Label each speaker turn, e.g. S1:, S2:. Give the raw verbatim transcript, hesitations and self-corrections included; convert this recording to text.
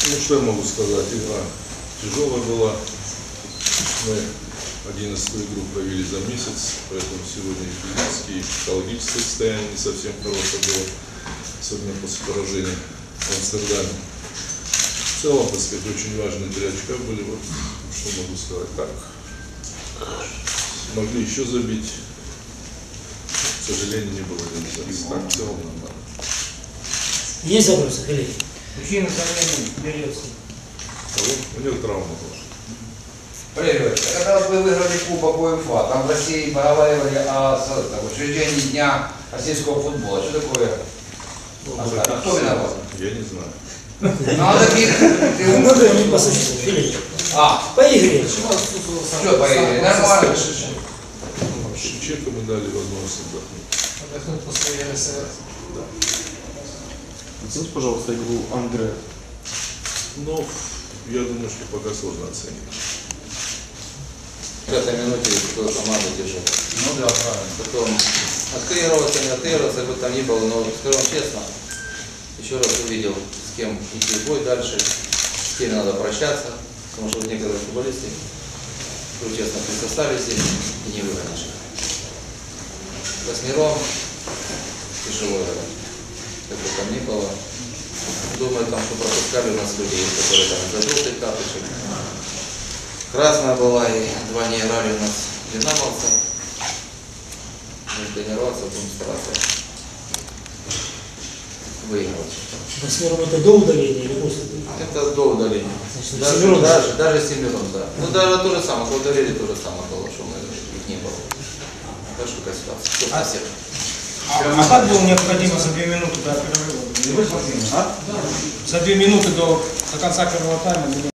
S1: Ну, что я могу сказать? Игра тяжелая была. Мы одиннадцатую игру провели за месяц, поэтому сегодня и физически, и психологическое состояние не совсем хорошее было, особенно после поражения в Амстердаме. В целом, так сказать, очень важные три очка были. Вот что могу сказать. Так, могли еще забить. К сожалению, не было реализации. Так, в целом нормально.
S2: Есть вопросы, коллеги?
S3: Мужчина замены берется.
S1: У него травма была.
S4: Валерий, когда вот вы выиграли Кубок УЕФА, там в России поговаривали о учреждении Дня российского футбола. Что такое?
S1: Ну,
S4: А кто виноват?
S1: Я не знаю.
S4: Надо ты
S2: Можно не по существу, Филипп?
S4: А,
S2: По игре.
S4: что поехали? Нормально.
S1: Шевченко мы дали возможность отдохнуть.
S3: Отдохнуть после РСР.
S5: Оцените, пожалуйста, игру Андре.
S1: Но я думаю, что пока сложно оценить.
S6: В этой минуте кто команду держит.
S4: Ну да, правильно.
S6: Потом отклеиваться, не отклеиваться, как бы там ни было, но скажу вам честно, еще раз увидел, с кем идти в бой дальше, с кем надо прощаться, потому что вот некоторые футболисты, скажу честно, при составе здесь и не выгонишь. Восьмером тяжело играть, как бы там ни было. Думаю, там, что пропускали у нас люди, которые там за желтый карточек. Красная была, и два не играли у нас динамовцы. Будем тренироваться, будем стараться выигрывать.
S2: Восьмером это до удаления или после?
S6: Это до удаления.
S2: Значит,
S6: Даже,
S2: семером.
S6: даже, даже семером, да. Ну даже то же самое, когда удалили, то же самое было, что мы их не было. Так что какая ситуация. Кто спасет?
S3: А, а как было необходимо за две минуты до перерыва?
S4: А?
S3: За две минуты до, до конца первого тайма?